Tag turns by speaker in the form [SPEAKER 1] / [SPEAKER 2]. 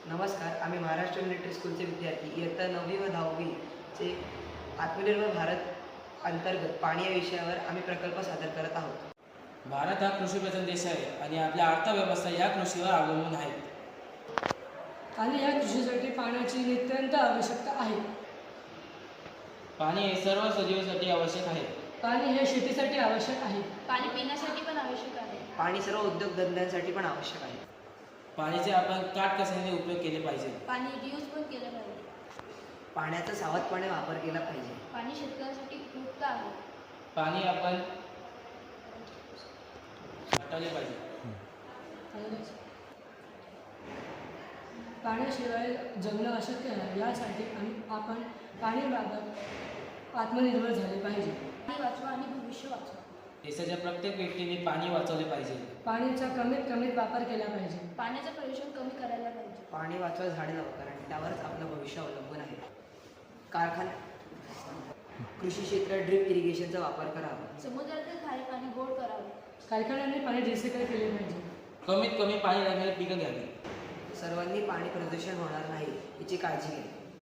[SPEAKER 1] नमस्कार, आम्ही महाराष्ट्र मिलिटरी स्कूलचे विद्यार्थी इयत्ता 9वी व 10वी चे आत्मनिर्भर भारत अंतर्गत पाणी या विषयावर आम्ही प्रकल्प सादर करत आहोत.
[SPEAKER 2] भारत हा कृषीप्रधान देश आहे आणि आपल्या अर्थव्यवस्था या कृषीवर अवलंबून आहे.
[SPEAKER 3] आणि या कृषीसाठी पाण्याची नितांत आवश्यकता आहे.
[SPEAKER 2] पाणी हे सर्व सजीवांसाठी आवश्यक आहे.
[SPEAKER 3] पाणी हे शेतीसाठी आवश्यक आहे.
[SPEAKER 4] पाणी पिण्यासाठी पण आवश्यक आहे.
[SPEAKER 1] पाणी सर्व उद्योगधंद्यांसाठी पण आवश्यक आहे.
[SPEAKER 2] पाण्याचे आपण काटकसरीने उपयोग केले पाहिजे.
[SPEAKER 4] पाणी रियूज पण केलं पाहिजे.
[SPEAKER 1] पाण्याचा सावधपणे वापर केला पाहिजे.
[SPEAKER 4] पाणी शेतकऱ्यासाठी उपयुक्त आहे.
[SPEAKER 2] पाणी आपण साठवले पाहिजे.
[SPEAKER 3] पाण्याशिवाय जगणं अशक्य आहे. यासाठी आपण पाणीबाबत आत्मनिर्भर झाले पाहिजे.
[SPEAKER 4] पाणी वाचवा आणि भविष्य वाचवा.
[SPEAKER 2] देशाच्या प्रत्येक व्यक्तीने पाणी वाचवले पाहिजे.
[SPEAKER 3] पाण्याचा कमीत कमी वापर केला पाहिजे.
[SPEAKER 4] पाण्याचं प्रदूषण कमी करायला पाहिजे.
[SPEAKER 1] पाणी वाचवा, झाडे लावा, कारण त्यावरच आपलं भविष्य अवलंबून आहे. कृषी क्षेत्रात ड्रिप इरिगेशनचा वापर करावा.
[SPEAKER 4] समुद्रातील खारे पाणी गोड करावे.
[SPEAKER 3] कारखान्यांनी पाणी रिसायकल केले पाहिजे.
[SPEAKER 2] कमीत कमी पाणी लागणारी पिकं घ्यावी.
[SPEAKER 1] सर्वांनी पाणी प्रदूषण होणार नाही याची काळजी घ्या.